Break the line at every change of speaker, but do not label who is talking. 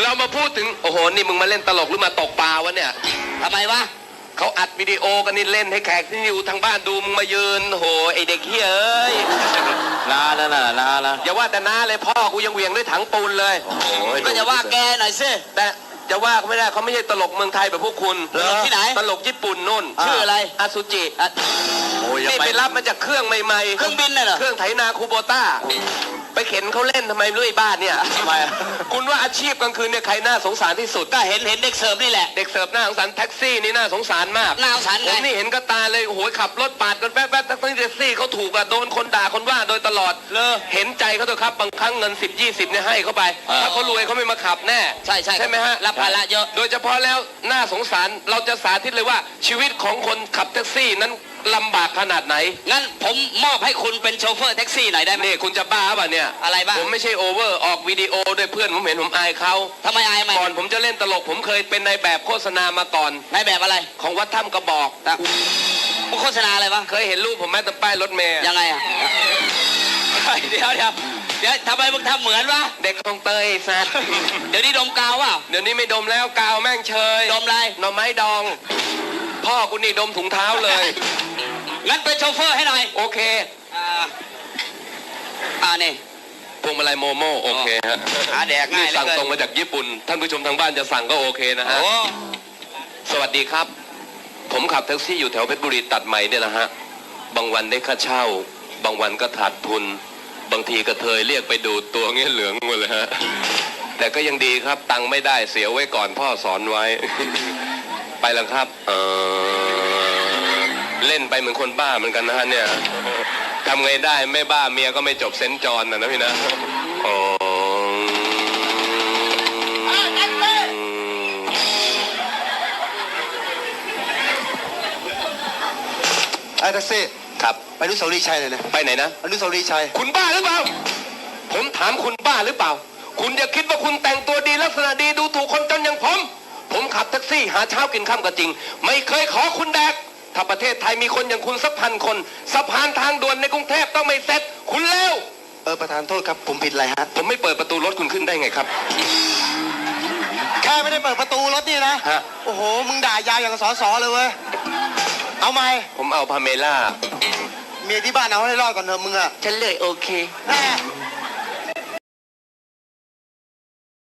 เรามาพูดถึงโอ้โหนี่มึงมาเล่นตลกหรือมาตกปลาวะเนี่ย
ทำไมวะ
เขาอัดวิดีโอกันนี่เล่นให้แขกที่อยู่ทางบ้านดูมึงมายืนโหไอเด็กเฮ้ยเอ้ย
นาแล้วนะนาแล้ว
อย่าว่าแต่น้าเลยพ่อกูยังเหวี่ยงด้วยถังปูนเลย
ก็จะว่าแกหน่อยสิ
แต่จะว่าเขาไม่ได้เขาไม่ใช่ตลกเมืองไทยแบบพวกคุณ
ตลกที่ไหน
ตลกญี่ปุ่นนู่น
ชื่ออะไร
อาซูจินี่ไปรับมาจากเครื่องใหม่ๆ
เครื่องบินน่ะเหรอ
เครื่องไถนาคูโบต้าไปเข็นเขาเล่นทำไมไม่รู้ไอ้บ้านเนี่ย
ทำไม
คุณว่าอาชีพกลางคืนเนี่ยใครน่าสงสารที่สุด
ก็เห็นเด็กเสิร์ฟนี่แหละ
เด็กเสิร์ฟน่าสงสารแท็กซี่นี่น่าสงสารมาก
น่าสงสาร
ผมนี่เห็นก็ตาเลยโอ้โหขับรถปาดกันแป๊บๆทั้งแท็กซี่เขาถูกอะโดนคนด่าคนว่าโดยตลอดเห็นใจเขาเถอะครับบางครั้งเงิน10-20เนี่ยให้เขาไปถ้าเขารวยเขาไม่มาขับแน่
ใช่
ไหมฮะ
รับภาระเยอะ
โดยเฉพาะแล้วน่าสงสารเราจะสาธิตเลยว่าชีวิตของคนขับแท็กซี่นั้นลำบากขนาดไหน
งั้นผมมอบให้คุณเป็นโชเฟอร์แท็กซี่หน่อยได้ไหม
นี่คุณจะบ้าป่ะเนี่ย
อะไรบ้า
ผมไม่ใช่โอเวอร์ออกวิดีโอด้วยเพื่อนผมเห็นผมอายเขา
ทำไมอาย
ก่อนผมจะเล่นตลกผมเคยเป็นนายแบบโฆษณามาก่อน
นายแบบอะไร
ของวัดถ้ำกระบอก
โฆษณาอะไรวะ
เคยเห็นรูปผมแม้แต่ป้ายรถเมย์
ยังไงอ่ะเดี๋ยวทำไมมึงทำเหมือนวะ
เด็กคลองเตยสัตว์
เดี๋ยวนี้ดมกาววะ
เดี๋ยวนี้ไม่ดมแล้วกาวแม่งเชย
ดมอะไร
หน่อไม้ดองพ่อกูนี่ดมถุงเท้าเลย
งั้นเป็นโชเฟอร์ให้หน่อย
โอเค
นี่
พวงมาลัยโมโม่โอเคฮะ
หาแดกง่ายเลย
สั่งตรงมาจากญี่ปุ่นท่านผู้ชมทางบ้านจะสั่งก็โอเคนะฮะสวัสดีครับผมขับแท็กซี่อยู่แถวเพชรบุรีตัดใหม่เนี่ยนะฮะบางวันได้ค่าเช่าบางวันก็ขาดทุนบางทีกระเทยเรียกไปดูตัวเงี้ยเหลืองหมดเลยฮะแต่ก็ยังดีครับตังค์ไม่ได้เสียไว้ก่อนพ่อสอนไว้ไปแล้วครับเล่นไปเหมือนคนบ้าเหมือนกันนะฮะเนี่ยทำไงได้ไม่บ้าเมียก็ไม่จบเซนจรนะพี่นะ
ไอ้แท็กซี่
ครับ
ไปอนุสาวรีย์ชัยเลยนะ
ไปไหนนะ
อนุสาวรีย์ชัย
คุณบ้าหรือเปล่าผมถามคุณบ้าหรือเปล่าคุณอย่าคิดว่าคุณแต่งตัวดีลักษณะดีดูถูกคนจนอย่างผมขับแท็กซี่หาเช้ากินค่ำก็จริงไม่เคยขอคุณแดกถ้าประเทศไทยมีคนอย่างคุณสัก1,000 คนสะพานทางด่วนในกรุงเทพต้องไม่เสร็จคุณเลว
ประธานโทษครับผมผิดอะไรฮะ
ผมไม่เปิดประตูรถคุณขึ้นได้ไงครับ
แค่ไม่ได้เปิดประตูรถนี่นะโอ้โหมึงด่ายาวอย่างสอเลยเว้ยเอาไหม
ผมเอาพาเมล่า
เมียที่บ้านเอาให้รอดก่อนเถอะมึงอะ
ฉันเลยโอเค
แน่